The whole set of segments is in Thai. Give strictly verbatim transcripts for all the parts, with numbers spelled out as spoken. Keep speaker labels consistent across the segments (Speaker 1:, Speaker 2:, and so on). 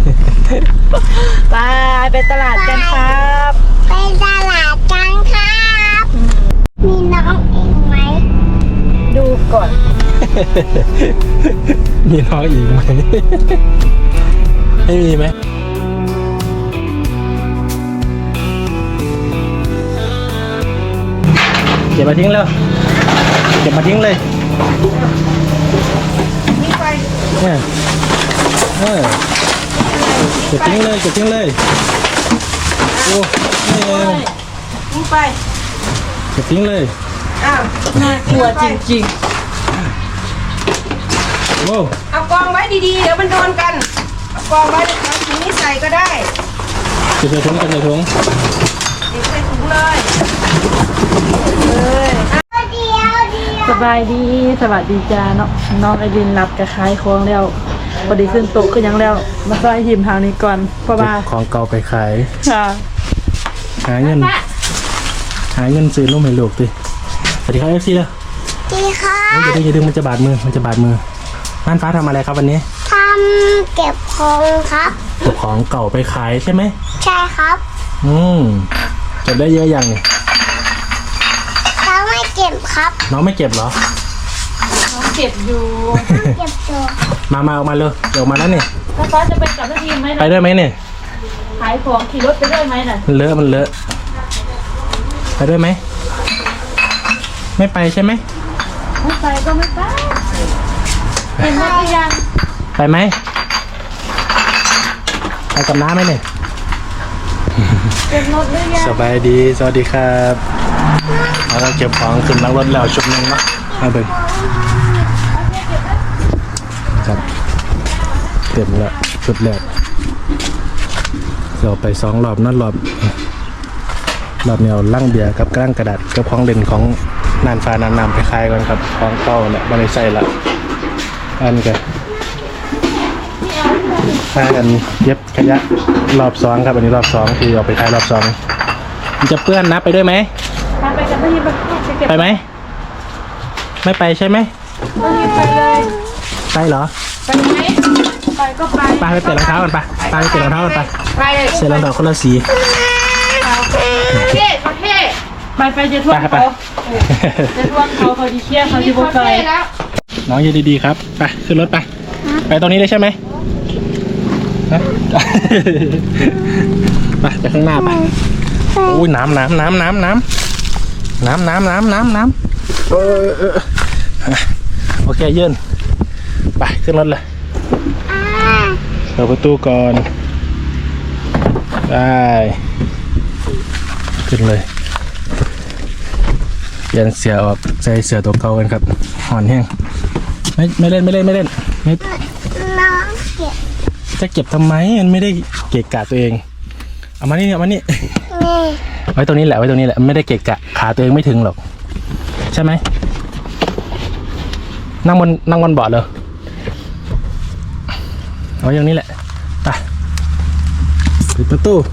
Speaker 1: ไปไปตลาดกันครับ
Speaker 2: ไปตลาดกันครับมีน้องเองไหม
Speaker 1: ดูก่อน
Speaker 3: มีน้องอีกไหมไม่มีไหมเก็บมาทิ้งเลยเก็บมาทิ้งเลย
Speaker 1: นี่ไป
Speaker 3: เนี่ยเออเก็บทิ้งเลยเก็บทิ้งเลยโอ้ย
Speaker 1: นี่ไป
Speaker 3: เก็บทิ้งเลย
Speaker 1: อ้าวน่ากลัวจริง
Speaker 3: ๆโอ้
Speaker 1: เอากองไว้ดีๆเดี๋ยวมันโดนกันเอากองไว้เอาถุงนี้ใส่ก็ได้
Speaker 3: เก็บใส่ถุงเก็บใส่ถุง
Speaker 1: เก็บใส่ถุงเลยเลยสบายดีสวัสดีจ้าเนาะน้องไอรินรับกระคายคองแล้วพอดีขึ้นโต๊ะขึ้นยังแล้วมาซอยหิมทางนี้ก่อนเพราะว่า
Speaker 3: ของเก่าไปขาย
Speaker 1: ค่ะ
Speaker 3: หาเงินหาเงินซื้อลูกให้ลูกดิสวัสดีครับเอฟซีเลย
Speaker 2: สวัสดีค่ะ
Speaker 3: อย่าดึงอย่าดึงมันจะบาดมือมันจะบาดมือน่านฟ้าทำอะไรครับวันนี้
Speaker 2: ทำเก็บของครับ
Speaker 3: เก็บของเก่าไปขายใช่ไหม
Speaker 2: ใช่ครับ
Speaker 3: อืมเก็บได้เยอะยังเนี่ย
Speaker 2: น้องไม่เก็บครับ
Speaker 3: น้องไม่เก็บเหรอ
Speaker 1: น้องเก็บอยู่
Speaker 2: เก็บอยู่
Speaker 3: มามาออกมาเลยเดี๋ยวมาแล้วเนี่ย
Speaker 1: แล้วฟ้าจะไปกับทีมไหม
Speaker 3: ไปด้วยไหมเนี่ย
Speaker 1: ขายของขี่รถไปด้วยไหมน่ะ
Speaker 3: มันเลอะมันเลอะไปด้วยไหมไม่ไปใช่ไหม
Speaker 1: ไม่ไปก็ไม่ไปเป็นรถหรือยัง
Speaker 3: ไปไหมไปกับน้าไหมเนี่ย
Speaker 1: เป็นรถหรือยัง
Speaker 3: สบายดีสวัสดีครับเราเก็บของขึ้นนั่งรถแล้วชุดนึงเนาะมาเบิ่งครับเต็มแล้วชุดแรกเราไปสองรอบนั่นรอบรอบเนี่ยลั่งเบียร์กับกล้างกระดาษกับของเด่นของนานฟ้านานนำไปคลายกันครับของเก่าเนี่ยไม่ได้ใส่ละอันกันคลายกันเย็บขยะรอบสองครับอันนี้รอบสองที่เอาไปคลายรอบสองมันจะเปื้อนนะไปด้วยไหม
Speaker 1: ไปกับพี่ไป
Speaker 3: ไปไหมไม่ไปใช่ไหม
Speaker 1: ไปเลย
Speaker 3: ไปเหรอ
Speaker 1: ไปไหมไปก็ไป
Speaker 3: ไปไปเปลี่ยนรองเท้ากันไปไปไปเปลี่ยนรองเท้ากันไป
Speaker 1: ไป
Speaker 3: เสร็จรองเท้าคนละสี
Speaker 1: เท่เท่ไปไปจะทวงเขาจะทวงเขาเขาดีเชี่ยเขาดีโบกเลย
Speaker 3: น้องยืนดีๆครับไปขึ้นรถไปไปตรงนี้เลยใช่ไหมไปไปข้างหน้าไปโอ้ยน้ำน้ำน้ำน้ำน้ำน้ำน้ำน้ำน้ำน้ำเออเออโอเคยืนไปขึ้นรถเลยเปิดประตูก่อนได้ขึ้นเลยเปลี่ยนเสือออกใส่เสือตัวเก่ากันครับห่อนแห้งไม่ไม่เล่นไม่เล่นไม่เล่นไม่
Speaker 2: น้องเก็บ
Speaker 3: จะเก็บทำไมมันไม่ได้เกะกะตัวเองเอามานี่เอามานี่ไว้ตรงนี้แหละไว้ตรงนี้แหละไม่ได้เกะกะขาตัวเองไม่ถึงหรอกใช่ไหมนั่งบนนั่งบนเบาะเลยเอาอย่างนี้แหละไปปิดประตู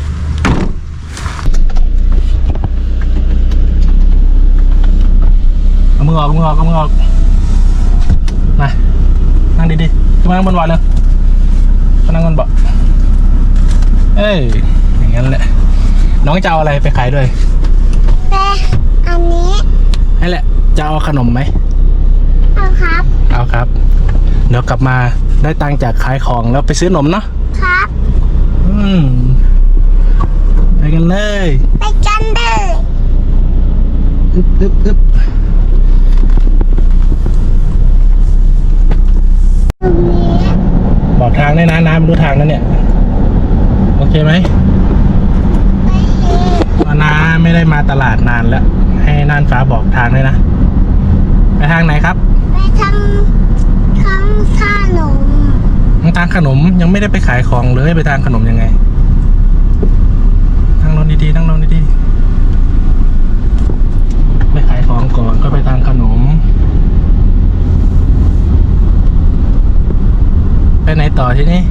Speaker 3: เอามือออกมือออกเอามือออกมานั่งดีๆขึ้นมานั่งบนเบาะเลยมานั่งบนเบาะเอ้ยอย่างนั้นแหละน้องจะเอาอะไรไปขายด้วย
Speaker 2: ไปอันนี้
Speaker 3: นั่นแหละจะเอาขนมไหม
Speaker 2: เอาครับ
Speaker 3: เอาครับเดี๋ยวกลับมาได้ตังค์จากขายของแล้วไปซื้อขนมเนาะ
Speaker 2: ครับ
Speaker 3: อืมไปกันเลย
Speaker 2: ไปกันเลย
Speaker 3: อึ๊บอึ๊บอึ๊บบอกทางได้นะน้ำรู้ทางนั่นเนี่ยโอเคไหมน้าไม่ได้มาตลาดนานแล้วให้น่านฟ้าบอกทางเลยนะไปทางไหนครับ
Speaker 2: ไปทำทำขนม
Speaker 3: ทางขนมยังไม่ได้ไปขายของเลยไปทางขนมยังไงนั่งลงดีๆนั่งลงดีๆไปขายของก่อนก็ไปทางขนมไปไหนต่อที่นี่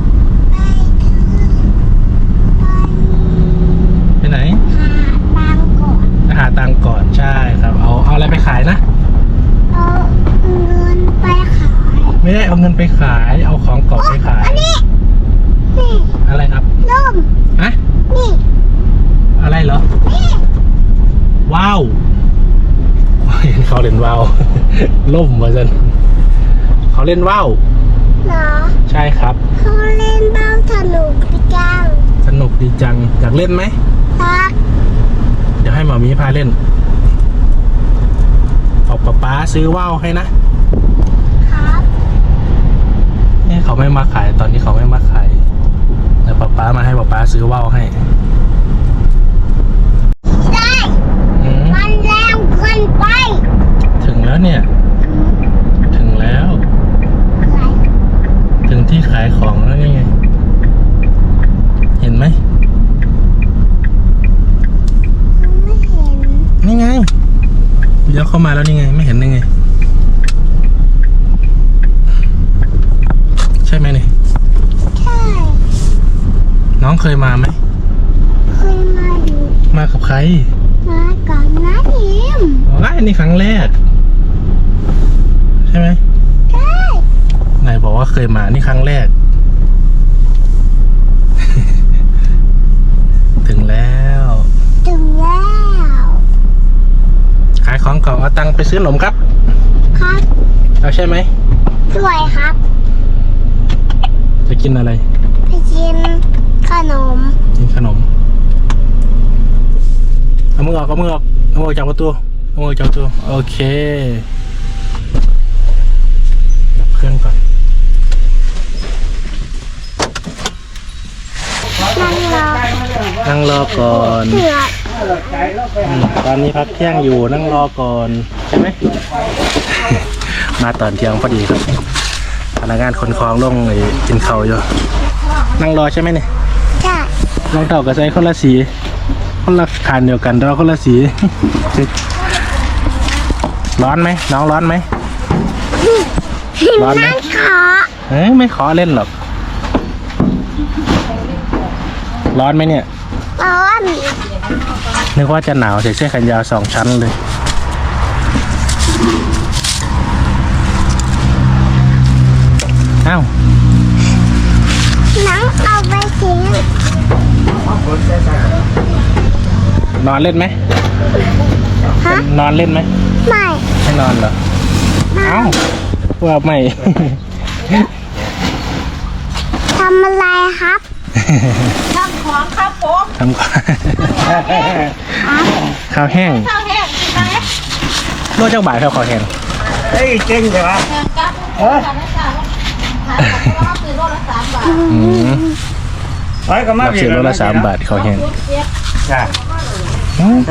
Speaker 3: ไปไหนหาตังก่อนใช่ครับเอาเอาอะไรไปขายนะ
Speaker 2: เอาเงินไปขาย
Speaker 3: ไม่ได้เอาเงินไปขายเอาของเก่าไปขาย
Speaker 2: อันนี้นี่
Speaker 3: อะไรครับ
Speaker 2: ล่ม
Speaker 3: ฮะ
Speaker 2: นี่
Speaker 3: อะไรเหรอ
Speaker 2: นี่
Speaker 3: ว้าวเห็นเขาเล่นว้าว ล่มมาจันเขาเล่นว้าว
Speaker 2: เหรอ
Speaker 3: ใช่ครับ
Speaker 2: เขาเล่นเบ้าสนุกจัง
Speaker 3: สนุกดีจังอยากเล่นไหม
Speaker 2: ครับ
Speaker 3: เดี๋ยวให้หมอมีพาเล่นบอกป๊าป๊าซื้อว่าวให้นะครับ เนี่ยเขาไม่มาขายตอนนี้เขาไม่มาขายแต่ป๊าป๊ามาให้ป๊าป๊าซื้อว่าวให้
Speaker 2: ได้
Speaker 3: อืม
Speaker 2: มันแรงเกินไป
Speaker 3: ถึงแล้วเนี่ย ถึงแล้ว
Speaker 2: อะไร
Speaker 3: ถึงที่ขายของแล้วนี่ไง เห็นไหม
Speaker 2: ไม่เห็น
Speaker 3: นี่ไงเดี๋ยวเข้ามาแล้วนี่ไง ไม่เห็นได้ไง ใช่ไหมนี่
Speaker 2: ใช่
Speaker 3: น้องเคยมาไหม
Speaker 2: เคยมาอยู่
Speaker 3: มากับใคร
Speaker 2: มาก่อนนะทีม
Speaker 3: อ๋ออันนี้ครั้งแรก ใช่ไหม
Speaker 2: ใช่
Speaker 3: ไหนบอกว่าเคยมานี่ครั้งแรก ถึงแล้ว
Speaker 2: ถึงแล้ว
Speaker 3: ขายของก่อนเอาตังค์ไปซื้อขนมครับ
Speaker 2: ครับ
Speaker 3: เอาใช่ไหม
Speaker 2: ด้วยครับ
Speaker 3: จะกินอะไร
Speaker 2: ไปกินขนม
Speaker 3: กินขนม เอามือออกเอามือออกเอามือออกจากประตูเอามือออกจากประตูโอเคดับเครื่องก่อน
Speaker 2: นั่งรอ
Speaker 3: นั่งรอก่อน
Speaker 2: เสือ
Speaker 3: อืมตอนนี้พักเที่ยงอยู่นั่งรอก่อนใช่ไหม มาตอนเที่ยงพอดีครับพนักงานขนของลงไอ้กินข้าวอยู่นั่งรอใช่ไหมเนี่ย
Speaker 2: ใช่
Speaker 3: รองเท้ากับใส่คนละสีคนละขานเดียวกันแต่ว่าคนละสี ร้อนไหมน้องร้อนไหม ร้อนไหม
Speaker 2: นั่งขอ
Speaker 3: เอ้ยไม่ขอเล่นหรอกร้อนไหมเนี่ย
Speaker 2: ร้อน
Speaker 3: นึกว่าจะหนาวใส่เสื้อแขนยาวสองชั้นเลยอ้าว
Speaker 2: นั่งเอาไปทิ้ง
Speaker 3: นอนเล่นไหม
Speaker 2: ฮะ
Speaker 3: นอนเล่นไหม
Speaker 2: ไม่
Speaker 3: ไม่นอนเหรอเอ้าว่าไม่
Speaker 2: ทำอะไรครับ
Speaker 1: ทำของครับผม
Speaker 3: ทำก่อนข้าวแห้ง
Speaker 1: ข้าวแห้งกินไหม
Speaker 3: โลเจ้าบ่ายครับข้าวแห้ง
Speaker 4: เฮ้ยเก่งจังวะ
Speaker 1: แห้งกับเออขายของก็คือโลละสามบาท
Speaker 3: อืม
Speaker 4: ไปก็มา
Speaker 3: รับซื้อโลละสามบาทข้าวแห้ง
Speaker 4: จ้า
Speaker 3: อืม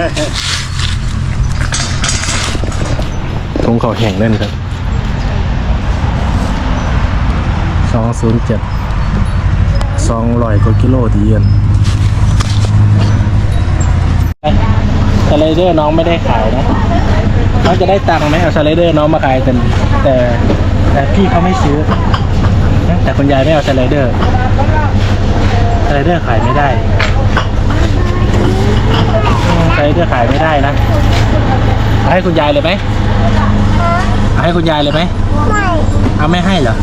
Speaker 3: ถุงข้าวแห้งเล่นครับสองศูนย์เจ็ดสองร้อยกว่ากิโลดีเย็นสไลเดอร์น้องไม่ได้ขายนะน้องจะได้ตังค์ไหมเอาสไลเดอร์น้องมาขายแต่แต่แต่พี่เขาไม่ซื้อนะแต่คุณยายไม่เอาสไลเดอร์สไลเดอร์ขายไม่ได้อืมสไลเดอร์ขายไม่ได้นะเอาให้คุณยายเลยไหมเอาให้คุณยายเลยไหม
Speaker 2: ไม่
Speaker 3: เอาไม่ให้เหรอ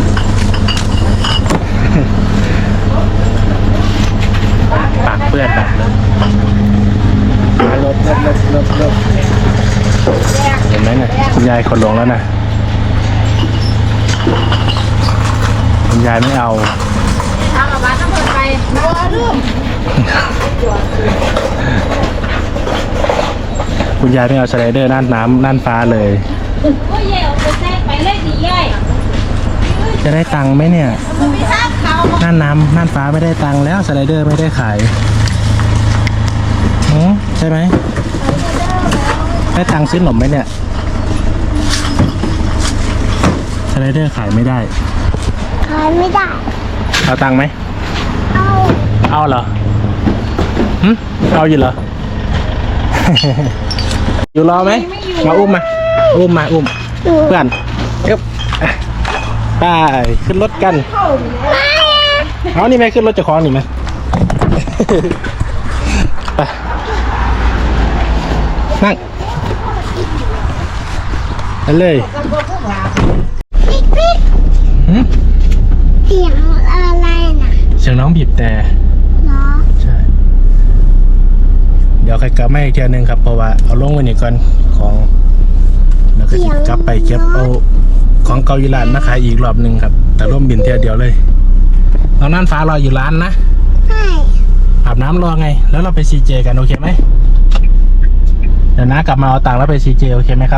Speaker 3: ปากเปื้อนแบบเลยลบลบลบลบลบเห็นไหมเนี่ยคุณยายคนลงแล้วนะคุณยายไม่เอา
Speaker 1: ทางกับบ้านต้องเปิดไปบัวลูก
Speaker 3: คุณยายไม่เอาสไลเดอร์น่านน้ำน่านฟ้าเลย
Speaker 1: ก็เย่เอาไปแทรกไปเลยดีเย่
Speaker 3: จะได้ตังค์ไหมเนี่ย
Speaker 1: มันไม่ทราบเขา
Speaker 3: น่านน้ำน่านฟ้าไม่ได้ตังค์แล้วสไลเดอร์ไม่ได้ขายหือใช่ไหมได้ตังค์ซื้อขนมไหมเนี่ยสไลเดอร์ขายไม่ได้
Speaker 2: ขายไม่ได้
Speaker 3: เอาตังค์ไหม
Speaker 2: เอา
Speaker 3: เอาเหรอหึเอาอยู่เหรอ อยู่รอไหมมาอุ้มมาอุ้มมาอุ้ม
Speaker 2: หนู
Speaker 3: เพื่อนเอ๊บไปขึ้นรถกัน
Speaker 2: ไม่อะ
Speaker 3: เอานี่ไหมขึ้นรถเจะคล้าของนี่ไหม ไปนั่งไปเลย
Speaker 2: ปิ๊กปิ๊ก
Speaker 3: หึ
Speaker 2: เสียงอะไรน่ะ
Speaker 3: เสียงน้องบีบแต่
Speaker 2: เนาะ
Speaker 3: ใช่ เดี๋ยวใครกลับมาอีกเทียนึงครับเพราะว่าเอาลงไว้นี่ก่อนของแล้วก็สิกลับไปเก็บเอาของเกาอยู่ร้านมาขายอีกรอบหนึ่งครับ แต่ร่วมบินเทียเดียวเลยเรานั่นฟ้ารออยู่ร้านนะ
Speaker 2: ใช่
Speaker 3: อาบน้ำรอไง แล้วเราไปซีเจกันโอเคไหมเดี๋ยวนะกลับมาเอาตังค์แล้วไปซีเจโอเคไหมครับ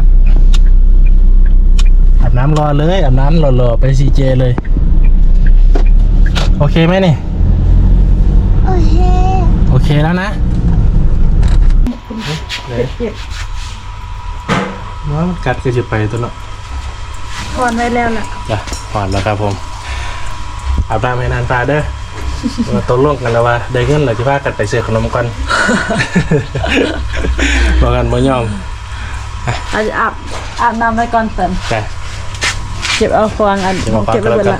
Speaker 3: อาบน้ำรอเลยอาบน้ำรอๆไปซีเจเลยโอเคไหมนี่
Speaker 2: โอเค
Speaker 3: โอเคแล้วนะเลย
Speaker 1: เก็บ
Speaker 3: ว่ามันกัดก็จะไปตัวเนาะ
Speaker 1: ถอนไว้แล้วล่ะ
Speaker 3: จ้ะผ่อนแล้วครับผมอาบน้ำให้นานฟ้าเด้อมาตกลงกันแล้วว่าได้เงินเหรอที่พากันไปซื้อขนมก่อน บอกกันบ่ยอม
Speaker 1: อาจจะอาบอาบน้ำไว้ก่อนเสร็จ
Speaker 3: จ้ะ
Speaker 1: เก็บเอาฟองอัน
Speaker 3: เก็บเอาฟาง
Speaker 1: เก็บไว้
Speaker 3: ก็
Speaker 1: เบิด
Speaker 3: แล้วกั
Speaker 1: ละ
Speaker 3: น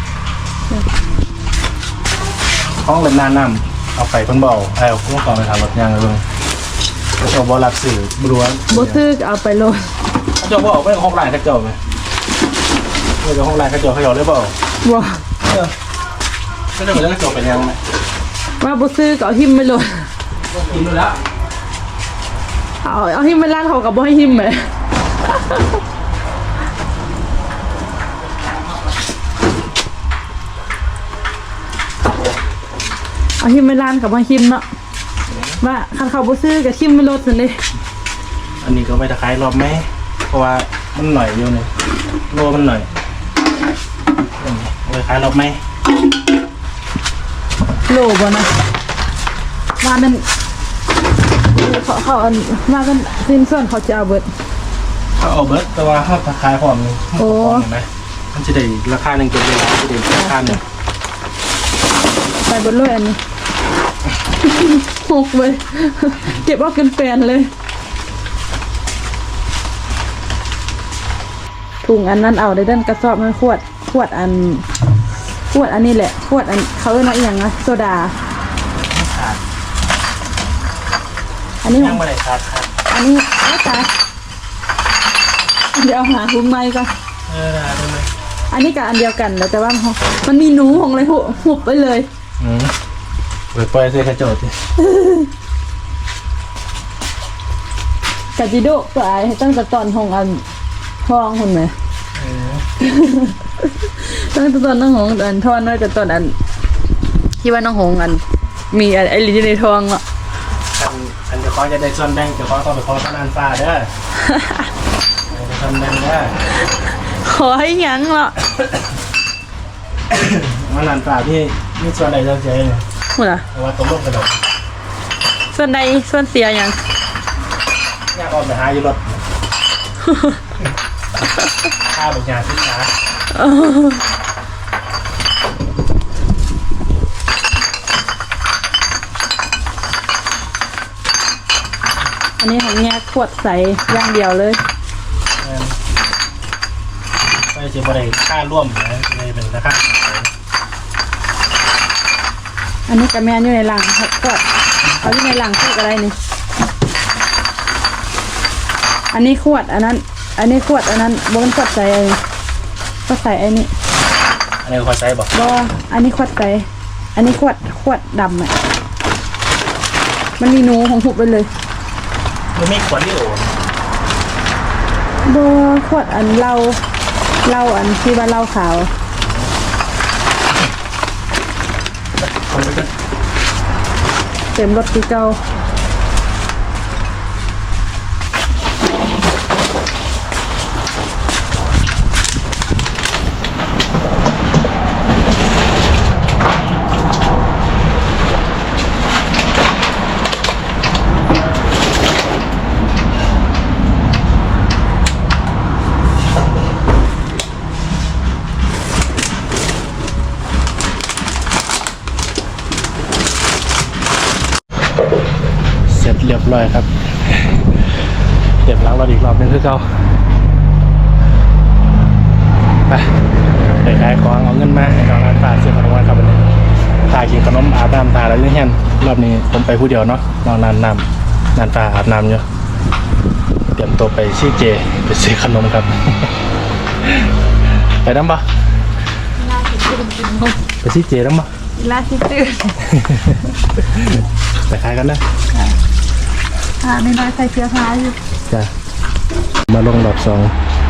Speaker 3: ห้องเล่นหน้าน้ำเอาไปเพิ่นบ่เอาเอาพวกกองไปทางรถยางเลยเบิ่งเขาเจ้าบ่รับสื่อบ่รู้ว่า
Speaker 1: บ่ซื้อเอาไปโลด
Speaker 3: เขาเจ้าบ่เอาไปห้องร้านเขาเจ้าไหมเออเจ้าห้องร้านเขาเจ้าเขาเจ้าเลยบ่เอา
Speaker 1: บ่
Speaker 3: เออก็จะเหมือนเขาเจ้าเป็นยังไง
Speaker 1: ว่าบ่ซื้อก็เอาหิมไปโลด
Speaker 3: กินดูแล้ว
Speaker 1: เอาเอาหิมไปร้านเขาก็บ่ให้หิมเลยเอาหิมไปร้านกับบ่ให้หิมเนาะว่าคันเขาบ่ซื้อก็หิมไปโลดซั่นเด้
Speaker 3: อันนี้ก็ไปตะไคร้รอบไหมเพราะว่ามันหน่อยอยู่นี่โลมันหน่อยอืมเอาไปขายรอบไหม
Speaker 1: โลบ่นะว่ามันเขาเขาอันว่ามันสิ้นส่วนเขาจะเอาเบิด
Speaker 3: เขาเอาเบิร์ตแต่ว่าเขาตะไคร้พร้อมนี่
Speaker 1: โอ้
Speaker 3: เห็นไหมมันจะได้ราคาหนึ่งเก็บเลยจะได้ราคาหนึ่ง
Speaker 1: ใส่เบิดเลยอันนี้ หกเลย เก็บเอากันแปลนเลยถุงอันนั้นเอาได้ด้านกระสอบมันขวดขวดอันขวดอันนี้แหละขวดอันเขาเรียกว่าอหย่างนะโซดา
Speaker 3: ขาด
Speaker 1: อันนี้ข
Speaker 3: ยั
Speaker 1: อง ง
Speaker 3: ไม่ได้ขาดครับ
Speaker 1: อันนี้ไม่ตายเดี๋ยวเอาหาถุงไม้ก่อน
Speaker 3: เออได้ได้ไหม
Speaker 1: อันนี้กับอันเดียวกันแล้วแต่ว่ามันมันมีหนูของเลยหุบหุบไปเลย
Speaker 3: อืมเปิดปล่อยเสื้อกระโจดสิ
Speaker 1: กาจิโดะตัวไอ้ตั้งแต่ตอนของอันทองคนไหม
Speaker 3: เออ
Speaker 1: ตั้งแต่ตอนน้องหงอันทอนไว้กับตอนอันที่ว่าน้องหงอัน มีอันไอ้ลิ้นในทองอ่ะ
Speaker 3: อันอันเดี๋ยวเขาจะได้ส่วนแบ่งเดี๋ยวเขาต้องไปขอพนันฟ้าเด้อเออส่วนแบ่งเด้อ
Speaker 1: ขอให้หยังเหรอ
Speaker 3: พนันฟ้าที่มีส่วนใดเจ้าเจ๊เนี่ย
Speaker 1: หมดละ
Speaker 3: แต่ว่าตกลงกันแล้ว
Speaker 1: ส่วนใดส่วนเสียหยัง
Speaker 3: ยากออกไปหาอยู่รถข้าวบางอย่างที่ขา
Speaker 1: อันนี้ของแง่ขวดใสอย่างเดียวเลย
Speaker 3: ไปเจอบริค่าร่วมนะเลยเป็นราคา
Speaker 1: อันนี้กระแมนอยู่ในหลังก็เขาอยู่ในหลังขวดอะไรนี่อันนี้ขวดอันนั้น อันนี้ขวดอันนั้นบนขวดใสไอ้ขวดใสไอ้นี่
Speaker 3: อันนี้ขอใช้บอก
Speaker 1: บออันนี้ขวดใสอันนี้ขวดขวดดำอ่ะมันมีหนูของหุบไปเลย
Speaker 3: มันมีขวดที่โอน
Speaker 1: บอขวดอันเหล้าเหล้าอันที่ว่าเหล้าขาว
Speaker 3: คนไปกัน
Speaker 1: เต็มรถที่เก่า
Speaker 3: เสร็จเรียบร้อยครับเก็บล้างรถอีกรอบนึงคือเก่าไปไปขายของเอาเงินมาให้น้องร้านป้าซื้อขนมครับวันนี้ตากินขนมอาบน้ำตาแล้วยังเห็นรอบนี้ผมไปผู้เดียวเนาะน้องนานน้ำนานตาอาบน้ำอยู่เตรียมตัวไปชี้เจไปซื้อขนมครับ ไปน้ำปะไปชี้เจน้ำปะ
Speaker 1: ไลาสิตื่น
Speaker 3: ไปขายกันนะ
Speaker 1: อ่าไม่น้อยใส่เสื้อผ้าอยู่
Speaker 3: จ้ะมาลงดอกสอง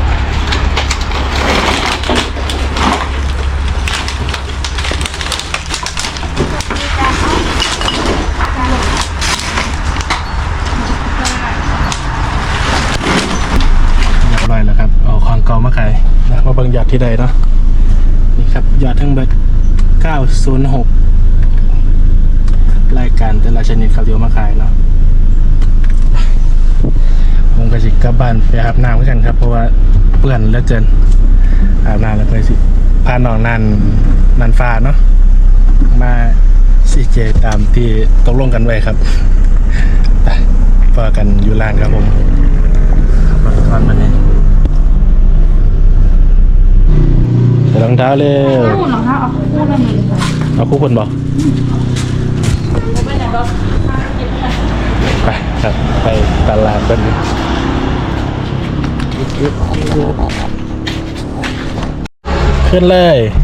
Speaker 3: เรียบร้อยแล้วครับเอาของเก่ามาขายนะมาเบิ่งยอดที่ใดเนาะนี่ครับยอดทั้งเบิดเก้าศูนย์หกรายการแต่ละชนิดครับเดี๋ยวมาขายเนาะผมก็สิกลับบ้านไปอาบน้ำกันครับเพราะว่าเปื้อนเหลือเกินอาบน้ำแล้วก็สิพาน้องนันนันฟ้าเนาะมาซีเจตามที่ตกลงกันไว้ครับไปพอกันอยู่ร้านครับผมขับรถก่อนมาเนี่ยใส่รองเท้าเร็ว
Speaker 1: คู่หรอคะเอาคู่นั่นเลย
Speaker 3: เอาคู่คนบอกไปครับไปตลาดกันขึ้นเลย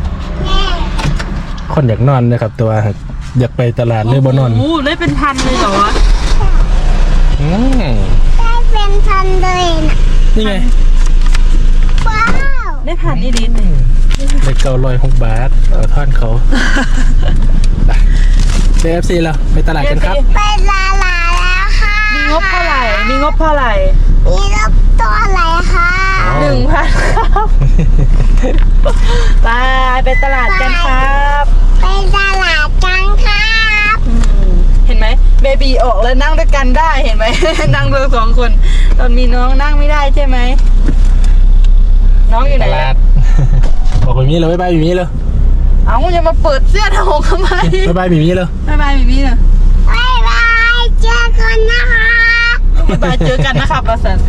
Speaker 3: คนอยากนอนนะครับตัวอยากไปตลาดเลยบ่นอน
Speaker 1: โอ้โหได้เป็นพันเลยเหรอวะ
Speaker 3: อืม
Speaker 2: ได้เป็นพันเลยนะ
Speaker 3: นี่ไง
Speaker 2: ว้าว
Speaker 1: ได้พันนี่ดิหนึ่ง
Speaker 3: ได้เก้าร้อยหกบาทขอท่อนเขาไปเอฟซีเราไปตลาดกันครับ
Speaker 2: ไปลาลาแล้วค่ะ
Speaker 1: มีงบเท่าไหร่มีงบเท่าไหร่
Speaker 2: มีรถตัวอะไรคะ
Speaker 1: หนึ่งพันครับไปไปตลาดกันครับ
Speaker 2: ไปตลาดกันครับ
Speaker 1: อืมเห็นไหมเบบีออกแล้วนั่งด้วยกันได้เห็นไหม นั่งเลยสองคนตอนมีน้องนั่งไม่ได้ใช่ไหมน้องอยู่ไหน
Speaker 3: ตลาดบอกแบบนี้เลยบ๊ายบายแบบนี้เลย
Speaker 1: เอาอย่ามาเปิดเสื้อทองทำไม
Speaker 3: บ๊ายบายแบบนี้เลย
Speaker 1: บายบายแบบนี้เนอะ
Speaker 2: บ๊ายบายเจอกันนะคะ
Speaker 1: บายบายเจอกันนะครับประสัน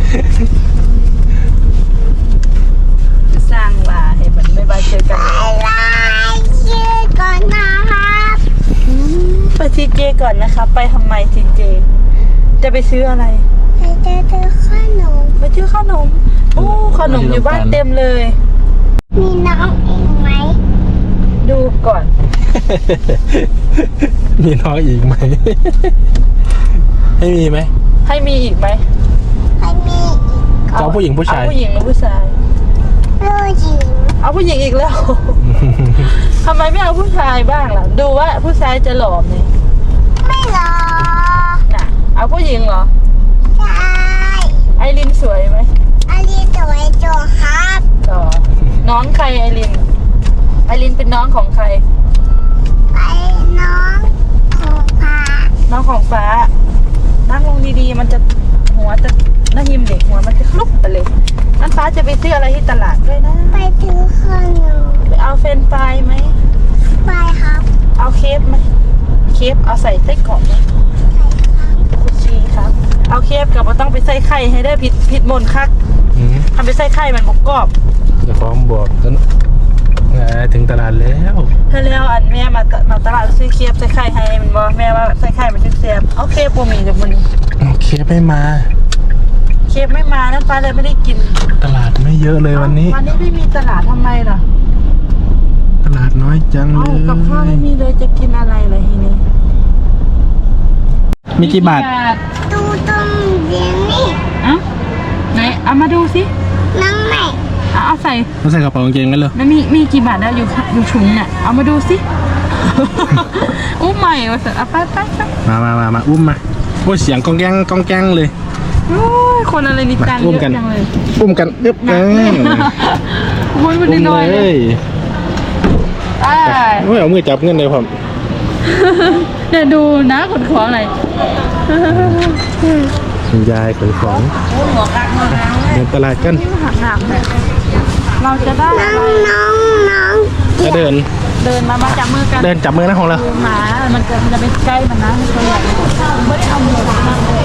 Speaker 1: สร้างว่าเห็นมันบายบายเจอกัน
Speaker 2: บ๊ายบายเจอกันนะครับ
Speaker 1: ไปทีเจก่อนนะคะ ไปทำไมทีเจ จะไปซื้ออะไร
Speaker 2: ไปเจอเจอขนม
Speaker 1: ไปซื้อขนม โอ้ขนมอยู่บ้านเต็มเลย
Speaker 2: มีน้องเองไหม
Speaker 1: ดูก่อน
Speaker 3: มีน้องอีกไหม ให้มีไหม
Speaker 1: ให้มีอีกไหม
Speaker 2: ไม่มีอีก
Speaker 3: จะเอาผู้หญิงผู้ชาย
Speaker 1: เอาผู้หญิงหรือผู้ชาย
Speaker 2: ผู้หญิง
Speaker 1: เอาผู้หญิงอีกแล้ว ทำไมไม่เอาผู้ชายบ้างล่ะ ดูว่าผู้ชายจะหล่อไหม
Speaker 2: ไม่รอ
Speaker 1: น่ะ เอาผู้หญิงเหรอ
Speaker 2: ใช่
Speaker 1: ไอรินสวยไหม
Speaker 2: อันนี้ตัวไอ้โจครับ
Speaker 1: หรอน้องใครไอริน ไอรินเป็นน้องของใคร
Speaker 2: ไปน้องของพา
Speaker 1: น้องของฟ้า นั่งลงดีๆ มันจะหัวจะน้าหิมเด็กหัวมันจะคลุกไปเลยนั่นฟ้าจะไปซื้ออะไรที่ตลาดด้วยนะ
Speaker 2: ไปถือขนม
Speaker 1: ไปเอาเฟรนช์ฟรายไหม
Speaker 2: ไปครับ
Speaker 1: เอาเคฟไหมเคฟเอาใส่ไส้กรอกไหมคุชชี่ครับ เอาเคฟกับมันต้องไปใส่ไข่ให้ได้ผิดผิดมนคัก
Speaker 3: อืม
Speaker 1: ทำไปใส่ไข่มันบกกรอบ
Speaker 3: เดี๋ยวพร้อมบอกกันอ่าถึงตลาดแล้ว
Speaker 1: ถ้าแล้วอันแม่มาตมาตลาดซื้อเคฟใส่ไข่ให้มันบอกแม่ว่าใส่ไข่มันจะเสียบเอาเคฟโปรมีเดี๋ยวมัน
Speaker 3: โอเคไม่มา
Speaker 1: เคฟไม่มานั่นฟ้าเลยไม่ได้กิน
Speaker 3: ตลาดไม่เยอะเลยวันนี้
Speaker 1: วันนี้ไม่มีตลาดทำไมล่ะ
Speaker 3: ตลาดน้อยจังเล
Speaker 1: เอา
Speaker 3: ย
Speaker 1: กับข้าวไม่มีเลยจะกินอะไรเลยทีนี้
Speaker 3: มีกี่บาท
Speaker 2: ดูตรงเดี๋ยวนี้
Speaker 1: อ่ะไหนเอามาดูสิ
Speaker 2: น้องใหม่
Speaker 1: เอาเอาใส่
Speaker 3: มาใส่กระเป๋ากางเกงกันเลย
Speaker 1: มันมีมีกี่บาทแล้วอยู่ค่ะอยู่ถุงเนี่ยเอามาดูสิ อู้ใหม่ว่าสัตว์เอาไปไปไป
Speaker 3: มามามามาอุ้มมาโอ้ยเสียงกองแกงกองแกงเลย
Speaker 1: โอ้ยคนอะไรนี่ตังค์
Speaker 3: อุ้
Speaker 1: เย
Speaker 3: มกัน
Speaker 1: อะจังเลย
Speaker 3: อุ้มกันอึ๊บ
Speaker 1: หนักเลยโอ้ยมันน้อยๆ
Speaker 3: เล
Speaker 1: เลย
Speaker 3: ย
Speaker 1: ไอ้
Speaker 3: โอ้ยเอามือจับเงินเลยผม
Speaker 1: เดี๋ยวดูนะขนของหน่อย
Speaker 3: คุณยายขนของ
Speaker 1: โอ้หัวกักหัวกัก
Speaker 3: เดินตลาดกัน
Speaker 1: นี่มันหักหนักเลยเราจะได้
Speaker 2: น้
Speaker 1: อะ
Speaker 2: อง
Speaker 1: ไร
Speaker 2: น้องน้อง
Speaker 3: จะเดิน
Speaker 1: เดินมามาจับมือกัน
Speaker 3: เดินจับมือนะของเรา
Speaker 1: หมามันจะมันจะไปใกล้มันนะมันตัวใหญ่ไม่ได้เอาหมวกมาเลย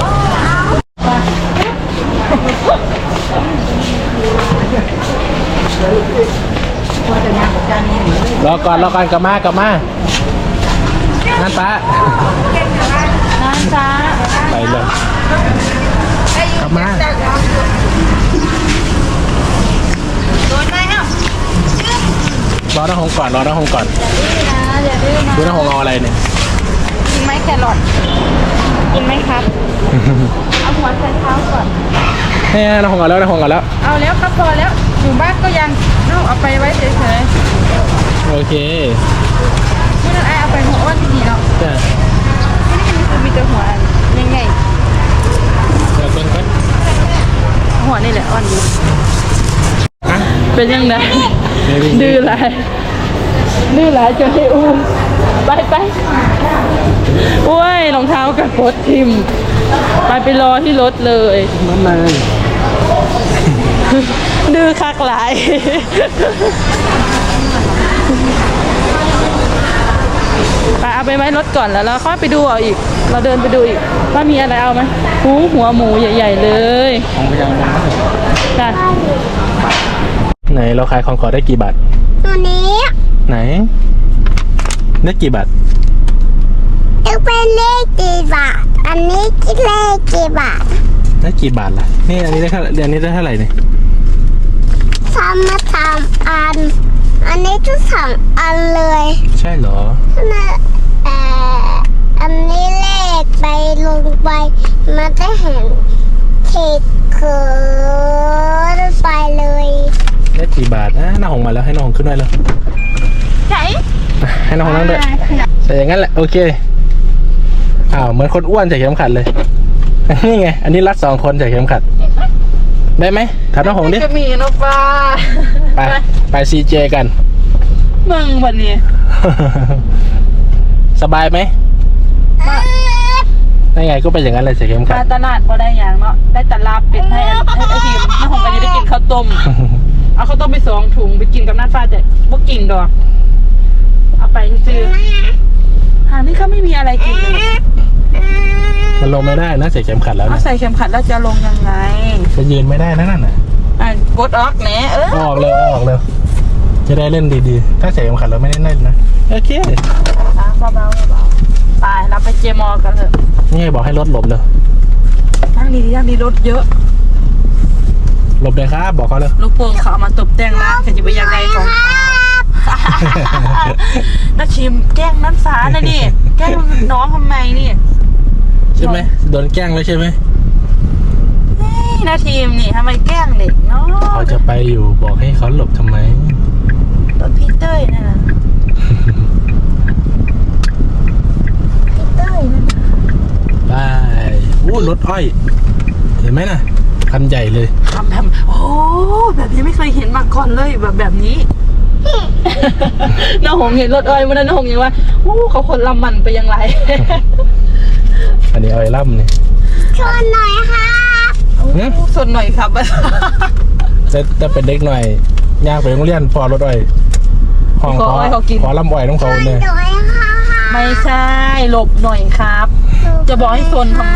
Speaker 1: ว่าแต่งานกับการนี้
Speaker 3: รอก่อนรอก่อนกลับมากลับมานั่นป้า
Speaker 1: น้าจ้า
Speaker 3: ไปเลยกลับมา
Speaker 1: โดนไหมเอ้า
Speaker 3: รอน้าหงก่อนรอน้าหงก่อน
Speaker 1: อย่าดื้อนะอย่าดื้อนะ
Speaker 3: ดูน้าหงเอาอะไรเนี่ย
Speaker 1: กินไหมแครอทกินไหมครับ เอาหัวใส่เท้าก่อน
Speaker 3: เนี่ยน้าหงเอาแล้วน้าหงเอาแล้ว
Speaker 1: เอาแล้วก็พอแล้วอยู่บ้านก็ยังลูกเอาไปไว้เฉย
Speaker 3: โอเค
Speaker 1: ๆไม่ต้องไอเอาไปหัวอ้วนดีเนาะ
Speaker 3: จ้ะ
Speaker 1: ที่นี่คือมีแต่หัวยังไง
Speaker 3: เดี๋ยวเป็นไป
Speaker 1: หัวนี่แหละอ้วนดี
Speaker 3: อ่ะ
Speaker 1: เป็นยังไง
Speaker 3: เดี๋ยว
Speaker 1: ดื้อหลายดื้อหลายจนให้อุ้มไปไปโอ้ยรองเท้ากับโคตรทิมไปไปรอที่รถเลย
Speaker 3: นั่นเลย
Speaker 1: ดื้อคักหลาย ไปเอาไปไว้รถก่อนแล้วเราค่อยไปดูเอาอีก เราเดินไปดูอีกว่ามีอะไรเอาไหมหูหัวหมูใหญ่ ๆ เลย
Speaker 3: ของพยางค์
Speaker 1: จ้ะ
Speaker 3: ไหนเราขายของขอได้กี่บาท
Speaker 2: ตัวนี้
Speaker 3: ไหนได้กี่บาท
Speaker 2: จะเป็นเลขกี่บาทอันนี้คิดเลขกี่บาท
Speaker 3: ได้กี่บาทล่ะนี่อันนี้ได้เท่าอันนี้ได้เท่าไหร่เนี่ย
Speaker 2: ทำมาทำอัน อันนี้ทุกสองอันเลย
Speaker 3: ใช่เหรอ
Speaker 2: นะเอ่ออันนี้เลขไปลงไปมันจะเห็นเขตเขินไปเลย
Speaker 3: ได้กี่บาทอ่ะน้าหงมาแล้วให้น้าหงขึ้นด้วยเลย
Speaker 1: ไหน
Speaker 3: ให้น้าหงนั่งด้วยใส่อย่างนั้นแหละโอเคอ้าวเหมือนคนอ้วนใส่เข็มขัดเลยนี่ไงอันนี้รัดสองคนใส่เข็มขัดได้ไหมถามน้าหงดิ
Speaker 1: จะมีนกปลา
Speaker 3: ไปไปซีเจกัน
Speaker 1: มึงวันนี้
Speaker 3: สบายไหมได้ไงก็เป็นอย่างนั้นเลยใส่เข็มขั
Speaker 1: มา
Speaker 3: ด
Speaker 1: ตลาดก็ได้อย่างเนาะได้แต่ลาบเป็ดให้ให้ไอทีมน้าหงก็จะได้กินข้าวต้ม เอาข้าวต้มไปสองถุงไปกินกับน้าฟ้าแต่บ่กินดอกเอาไปซื้อหานี่เขาไม่มีอะไรกินเลย
Speaker 3: มันลงไม่ได้นะใส่เข็มขัดแล้ว
Speaker 1: เอา
Speaker 3: นะ
Speaker 1: ใส่เข็มขัดแล้วจะลงยังไง
Speaker 3: จะยืนไม่ได้นะนั่นน่ะ
Speaker 1: อ่ะกดออกแหนเออ
Speaker 3: ออกเร็วออกเร็วจะได้เล่นดีๆถ้าใส่เข็มขัดแล้วไม่ได้เล่นนะโอเค
Speaker 1: อ่ะเบาๆเบาๆไปเราไปเจมอกันเถอะ
Speaker 3: นี่ไงบอกให้รถหลบเลย
Speaker 1: ทั้งนี้ทั้งนี้รถเยอะ
Speaker 3: หลบเลยครับบอกเขาเลย
Speaker 1: ลูกโป่งเขาเอามาตกแต่งร้านเขาจะไปยังไงของเขาน้าชิมแกล้งน้ำฟ้านะนี่แกล้งน้องทำไมนี่
Speaker 3: ใช่ไหมโดนแกล้งแล้วใช่ไหม
Speaker 1: เฮ้ยน้าทีมนี่ทำไมแกล้งเด็กเนาะ
Speaker 3: เขาจะไปอยู่บอกให้เขาหลบทำไม
Speaker 1: รถพี่เต้ยนั่นน่ะพี่เต้ยนั่นน่ะ
Speaker 3: ไปอู้รถอ้อยเห็นไหมน่ะคันใหญ่เลย
Speaker 1: ทำแบบโอ้แบบนี้ไม่เคยเห็นมาก่อนเลยแบบแบบนี้ น้าหงเห็นรถอ้อยวันนั้นน้าหงยังว่าโอ้เขาคนลำมันไปยังไร
Speaker 3: อันนี้อ้อยล่ำนี่
Speaker 2: ชวนหน่อยค่ะ
Speaker 3: หืม
Speaker 1: สนหน่อยครับ
Speaker 3: แต่แต่เป็นเด็กหน่อยย่างไปโรงเรียนพอรถอ้อยห้อง
Speaker 1: ขออ้อยเขากิน
Speaker 3: ขอลำอ้อยต้อง
Speaker 2: ช
Speaker 3: เขา
Speaker 2: วน
Speaker 3: เลย
Speaker 2: หน่อยค่ะ
Speaker 1: ไม่ใช่หลบหน่อยครับ จะบอกให้สนทำไม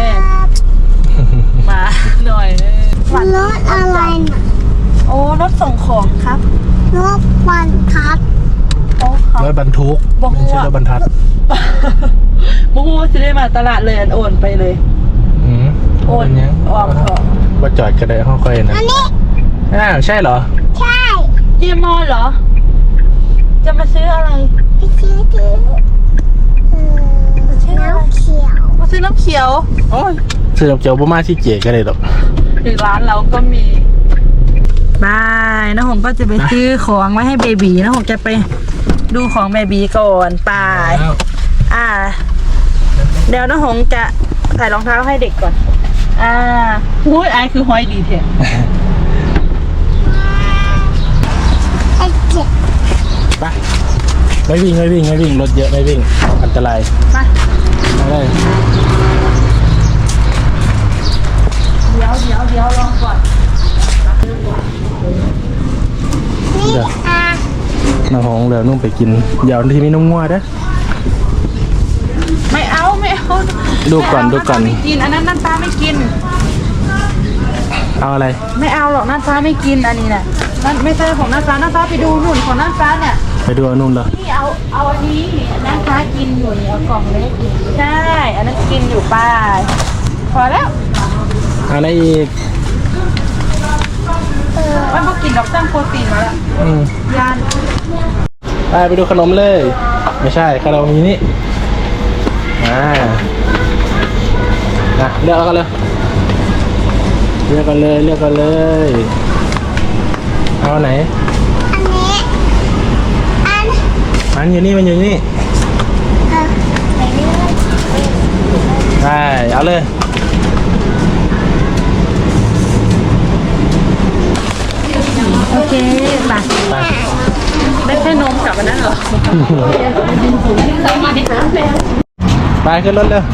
Speaker 1: มาหน่อย
Speaker 2: รถอะไรน่ะ
Speaker 1: โอ้รถส่งของครับ
Speaker 2: รถวันทัด
Speaker 1: โอ้ครับ
Speaker 3: รถบรรทุก
Speaker 1: บอก
Speaker 3: ไม่ใช่
Speaker 1: ว่า
Speaker 3: รถบรรทัด
Speaker 1: บูฮูจะได้มาตลาดเลยอันโอนไปเลย
Speaker 3: อืม
Speaker 1: โอน
Speaker 3: เป็นยัง
Speaker 1: ออกเถอะ
Speaker 3: ว่าจอดก็ได้ห้องค่อยนะ
Speaker 2: อันนี้
Speaker 3: อ้าวใช่เหรอ
Speaker 2: ใช่
Speaker 1: เจมอเหรอ จะมาซื้ออะไร
Speaker 2: ไปซื้อถือเออน้ำเขียว
Speaker 1: มาซื้อน้ำเขียว
Speaker 3: โอ้ยซื้อดอกเจียวประมาณที่เจ๋ก็ได้ดอก
Speaker 1: ถึงร้านเราก็มีบายน้าหงก็จะไปซื้อของไว้ให้เบบีน้าหงจะไปดูของเบบีก่อนไป
Speaker 3: อ้าว
Speaker 1: อ่า เดี๋ยวน้าหงจะใส่รองเท้าให้เด็กก่อน อ่าหุ้ยไอายคือห้อยดีเถอะ
Speaker 2: ไอ้เจ็บ
Speaker 3: ไปไม่วิ่งไม่วิ่งไม่วิ่งรถเยอะไม่วิ่งอันตราย
Speaker 1: มา
Speaker 3: มาเลย
Speaker 1: เดี๋ยวเดี๋ยวเดี๋ยวลองก่อน
Speaker 2: นี่อ่ะ
Speaker 3: น้องหงเดี๋ยวนุ่งไปกินเดี๋ยวที่มีน้องงัวเด้อ
Speaker 1: ไม่เอาไม่เอา
Speaker 3: ดูก่อน
Speaker 1: ไม่เา
Speaker 3: ดูก่อน
Speaker 1: น้าตาไม่กินอันนั้นน้าตาไม่กิน
Speaker 3: เอาอะไร
Speaker 1: ไม่เอาหรอกน้าฟ้าไม่กินอันนี้น่ะนั่นไม่ใช่ของน้าฟ้าน้าฟ้าไปดูนู่นของน้าฟ้าเนี่ย
Speaker 3: ไปดูอันนู่นเลย
Speaker 1: นี่เอาเอาอันนี้น้าฟ้ากินอยู่นี่เอากล่องเล็กอยู่ใช่อันนั้นกินอยู่ป้าพอแล้ว
Speaker 3: อันไหนอีก
Speaker 1: เออมันพอกินดอกตั้งโปรตีนมาแล้ว
Speaker 3: อืม
Speaker 1: ยาน
Speaker 3: ไปไปดูขนมเลย ไม่ใช่ขนมมีนี่อ่านะเลือกเอากันเลยเลือกกันเลยเลือกกันเลยเอาไหน
Speaker 2: อันนี้อัน
Speaker 3: มันอยู่นี่มันอยู่นี่
Speaker 2: เออไปเรื่อย
Speaker 3: ไปเอาเลย
Speaker 1: โอเคมา
Speaker 3: ไป
Speaker 1: ได้แค่นมกับอันนั้นเหรอ
Speaker 3: ไปขึ้นรถเร็ว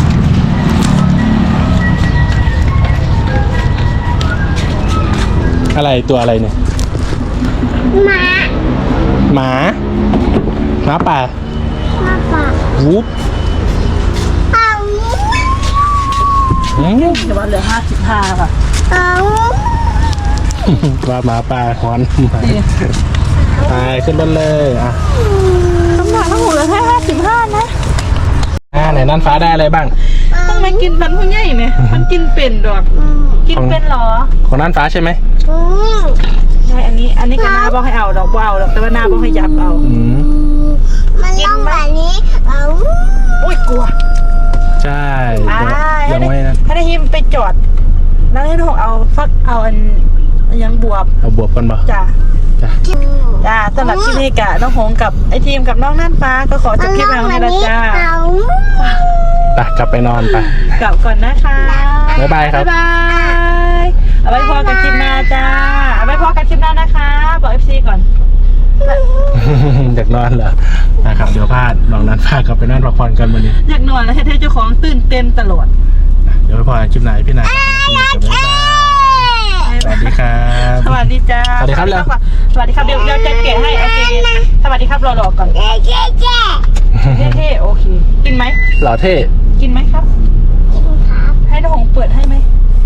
Speaker 3: อะไรตัวอะไรเนี่ย
Speaker 2: หมา
Speaker 3: หมาหมาป่า
Speaker 2: มาฝาก
Speaker 3: วูบ
Speaker 2: เอา
Speaker 3: อืม
Speaker 1: แต่ว่าเหลือห้าสิบห้าค่ะ
Speaker 2: เอา
Speaker 3: ว่าหมาป่าหอนไปขึ้นรถเลยอ่ะ
Speaker 1: น้ำหนักทั้งหมดเหลือแค่ห้าสิบห้านะ
Speaker 3: อ่าไหนนั่นฟ้าได้อะไรบ้าง
Speaker 1: ต้องมากินมันผู้ใหญ่เนี่ยมันกินเป็นดอก กินเป็นเหรอ
Speaker 3: ของนั่นฟ้าใช่ไหม
Speaker 2: อืม
Speaker 1: ใช่อันนี้ อันนี้ก็หน้าบอกให้เอาดอกบ่เอาดอกแต่ว่าหน้าบอกให้ยับเอา
Speaker 3: อืม
Speaker 2: มันต้องแบบนี้เอา
Speaker 1: อุ้ยกลัว
Speaker 3: ใช่
Speaker 1: อ่า
Speaker 3: ยังไม่นั่น
Speaker 1: ถ้าได้หิมไปจอด แล้วให้น้องเอาฟักเอาอันยังบวบ
Speaker 3: เอาบวบกันบ่
Speaker 1: จ้ะ
Speaker 3: จ้ะ
Speaker 1: จ้าสำหรับคลิปนี้กะน้องหงกับไอทีมกับน้องน่านฟ้าก็ขอจบคลิปแล้วนี่ละจ้า
Speaker 2: เอา
Speaker 3: ไปกลับไปนอนไป
Speaker 1: กลับก่อนนะคะ
Speaker 3: บ๊ายบายครับ
Speaker 1: บ๊ายบายเอาไว้พอกันคลิปหน้าจ้าเอาไว้พอกันคลิปหน้านะคะบอก เอฟ ซี ก่อน
Speaker 3: อยากนอนเหรอนะครับเดี๋ยวพลาดลองนั้นพากลับไปนอนพักผ่อนกันวันนี้
Speaker 1: อยากนอนแล้วให้เจ้าของตื่นเต้นตลอด
Speaker 3: เดี๋ยวไปพอกันคลิปไหนพี่นายกับบ๊ายบายสวัสดีครับ
Speaker 1: สวัสดีจ้า
Speaker 3: สวัสดีครับเร็ว
Speaker 1: สวัสดีครับเดี๋ยวเดี๋ยวจะแกะให้โอเคสวัสดีครับรอๆก่อน
Speaker 2: เจ๊เจ๊เจ๊
Speaker 1: เท่ๆโอเคกินไหม
Speaker 3: หล่อเท่
Speaker 1: กินไหมครับ
Speaker 2: ครับ
Speaker 1: ให้น้องหงเปิดให้ไหม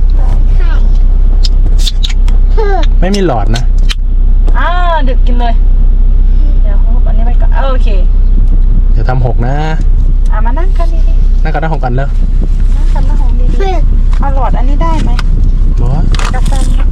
Speaker 3: ไม่มีหลอดนะ
Speaker 1: อ่าดึกกินเลยเดี๋ยวอันนี้ไปก่อนโอเค
Speaker 3: เดี๋ยวทำหกนะ
Speaker 1: อ่ะมานั่งกันดี
Speaker 3: นั่งกันนั่งหกกันแล้ว
Speaker 1: ๆนั่งกันน้องหงดีๆเอาหลอดอันนี้ได้ไหม
Speaker 3: บอส
Speaker 1: กาแฟ